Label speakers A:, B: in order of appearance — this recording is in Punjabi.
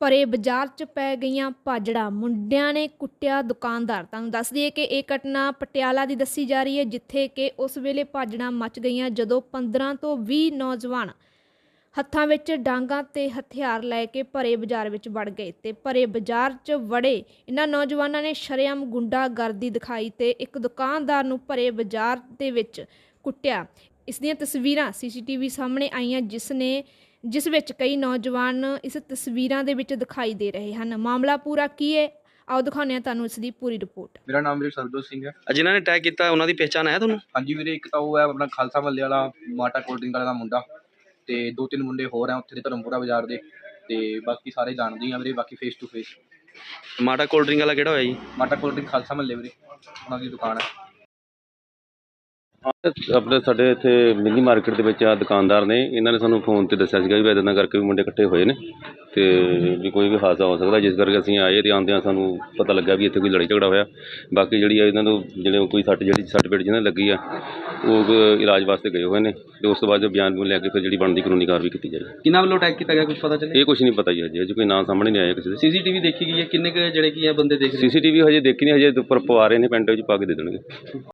A: ਭਰੇ ਬਾਜ਼ਾਰ 'ਚ ਪੈ ਗਈਆਂ ਭਾਜੜਾਂ, ਮੁੰਡਿਆਂ ਨੇ ਕੁੱਟਿਆ ਦੁਕਾਨਦਾਰ। ਤੁਹਾਨੂੰ ਦੱਸ ਦਈਏ ਕਿ ਇਹ ਘਟਨਾ ਪਟਿਆਲਾ ਦੀ ਦੱਸੀ ਜਾ ਰਹੀ ਹੈ, ਜਿੱਥੇ ਕਿ ਉਸ ਵੇਲੇ ਭਾਜੜਾਂ ਮਚ ਗਈਆਂ ਜਦੋਂ 15 ਤੋਂ 20 ਨੌਜਵਾਨ ਹੱਥਾਂ ਵਿੱਚ ਡਾਂਗਾਂ ਤੇ ਹਥਿਆਰ ਲੈ ਕੇ ਭਰੇ ਬਾਜ਼ਾਰ ਵਿੱਚ ਵੜ ਗਏ ਤੇ ਭਰੇ ਬਾਜ਼ਾਰ 'ਚ ਵੜੇ ਇਹਨਾਂ ਨੌਜਵਾਨਾਂ ਨੇ ਸ਼ਰੇਆਮ ਗੁੰਡਾਗਰਦੀ ਦਿਖਾਈ ਤੇ ਇੱਕ ਦੁਕਾਨਦਾਰ ਨੂੰ ਭਰੇ ਬਾਜ਼ਾਰ ਦੇ ਵਿੱਚ ਕੁੱਟਿਆ। ਇਸ ਦੀਆਂ ਤਸਵੀਰਾਂ ਸੀਸੀਟੀਵੀ ਸਾਹਮਣੇ ਆਈਆਂ, ਜਿਸ ਵਿੱਚ ਕਈ ਨੌਜਵਾਨ ਇਸ ਤਸਵੀਰਾਂ ਦੇ ਵਿੱਚ ਦਿਖਾਈ ਦੇ ਰਹੇ ਹਨ। ਮਾਮਲਾ ਪੂਰਾ ਕੀ ਹੈ, ਆਓ ਦਿਖਾਉਂਦੇ ਹਾਂ ਤੁਹਾਨੂੰ ਇਸ ਦੀ ਪੂਰੀ ਰਿਪੋਰਟ।
B: ਮੇਰਾ ਨਾਮ ਵੀਰੇ ਸਰਬਜੋਤ ਸਿੰਘ ਹੈ।
C: ਜਿਨ੍ਹਾਂ ਨੇ ਅਟੈਕ ਕੀਤਾ ਉਹਨਾਂ ਦੀ ਪਹਿਚਾਣ ਹੈ ਤੁਹਾਨੂੰ?
B: ਹਾਂਜੀ ਵੀਰੇ, ਇੱਕ ਤਾਂ ਉਹ ਹੈ ਆਪਣਾ ਖਾਲਸਾ ਮਹੱਲੇ ਵਾਲਾ ਮਾਟਾ ਕੋਲਡ ਡਰਿੰਕ ਵਾਲਾ ਦਾ ਮੁੰਡਾ, ਤੇ 2-3 ਮੁੰਡੇ ਹੋਰ ਆ ਉੱਥੇ ਦੇ ਧਰਮਪੁਰਾ ਬਾਜ਼ਾਰ ਦੇ, ਤੇ ਬਾਕੀ ਸਾਰੇ ਜਾਣਦੇ ਆ ਵੀਰੇ। ਬਾਕੀ ਫੇਸ ਟੂ ਫੇਸ
C: ਮਾਟਾ ਕੋਲਡ ਡਰਿੰਕ ਵਾਲਾ ਕਿਹੜਾ ਹੋਇਆ ਜੀ?
B: ਮਾਟਾ ਕੋਲਡ ਡਰਿੰਕ ਖਾਲਸਾ ਮਹੱਲੇ ਵੀਰੇ, ਉਹਨਾਂ ਦੀ ਦੁਕਾਨ ਹੈ।
D: ਆਪਣੇ ਸਾਡੇ ਇੱਥੇ ਮਿੰਨੀ ਮਾਰਕੀਟ ਦੇ ਵਿੱਚ ਆ ਦੁਕਾਨਦਾਰ ਨੇ, ਇਹਨਾਂ ਨੇ ਸਾਨੂੰ ਫੋਨ ਤੇ ਦੱਸਿਆ ਸੀਗਾ ਵੀ ਇੱਦਾਂ ਕਰਕੇ ਵੀ ਮੁੰਡੇ ਇਕੱਠੇ ਹੋਏ ਨੇ ਤੇ ਵੀ ਕੋਈ ਵੀ ਹਾਦਸਾ ਹੋ ਸਕਦਾ, ਜਿਸ ਕਰਕੇ ਅਸੀਂ ਆਏ ਤੇ ਆਉਂਦਿਆਂ ਸਾਨੂੰ ਪਤਾ ਲੱਗਾ ਵੀ ਇੱਥੇ ਕੋਈ ਲੜਾਈ ਝਗੜਾ ਹੋਇਆ। ਬਾਕੀ ਜਿਹੜੀ ਆ ਇਹਨਾਂ ਨੂੰ ਜਿਹੜੇ ਕੋਈ ਸੱਟ ਪੇਟ ਜਿਹਨਾਂ ਲੱਗੀ ਆ ਉਹ ਇਲਾਜ ਵਾਸਤੇ ਗਏ ਹੋਏ ਨੇ, ਤੇ ਉਸ ਤੋਂ ਬਾਅਦ ਬਿਆਨ ਲੈ ਕੇ ਫਿਰ ਜਿਹੜੀ ਬਣਦੀ ਕਾਨੂੰਨੀ ਕਾਰਵਾਈ ਕੀਤੀ ਜਾਏਗੀ।
C: ਕਿਹਨਾਂ ਵੱਲੋਂ ਅਟੈਕ ਕੀਤਾ ਗਿਆ ਕੁਝ ਪਤਾ ਚੱਲਿਆ?
D: ਇਹ ਕੁਝ ਨਹੀਂ ਪਤਾ ਜੀ, ਅਜੇ ਕੋਈ ਨਾਂ ਸਾਹਮਣੇ ਨਹੀਂ ਆਇਆ ਕਿਸੇ ਦੇ।
C: ਸੀਸੀਟੀਵੀ ਦੇਖੀ ਗਈ ਹੈ? ਕਿੰਨੇ ਕੁ ਜਿਹੜੇ ਕੀ ਹੈ ਬੰਦੇ ਦੇਖ ਰਹੇ?
D: ਸੀਸੀਟੀਵੀ ਹਜੇ ਦੇਖੀ ਨਹੀਂ, ਹਜੇ ਉੱਪਰ ਪਵਾ ਰਹੇ ਨੇ, ਪਿੰਡ ਵਿੱਚ ਪਾ ਕੇ ਦੇ ਦੇਣਗੇ।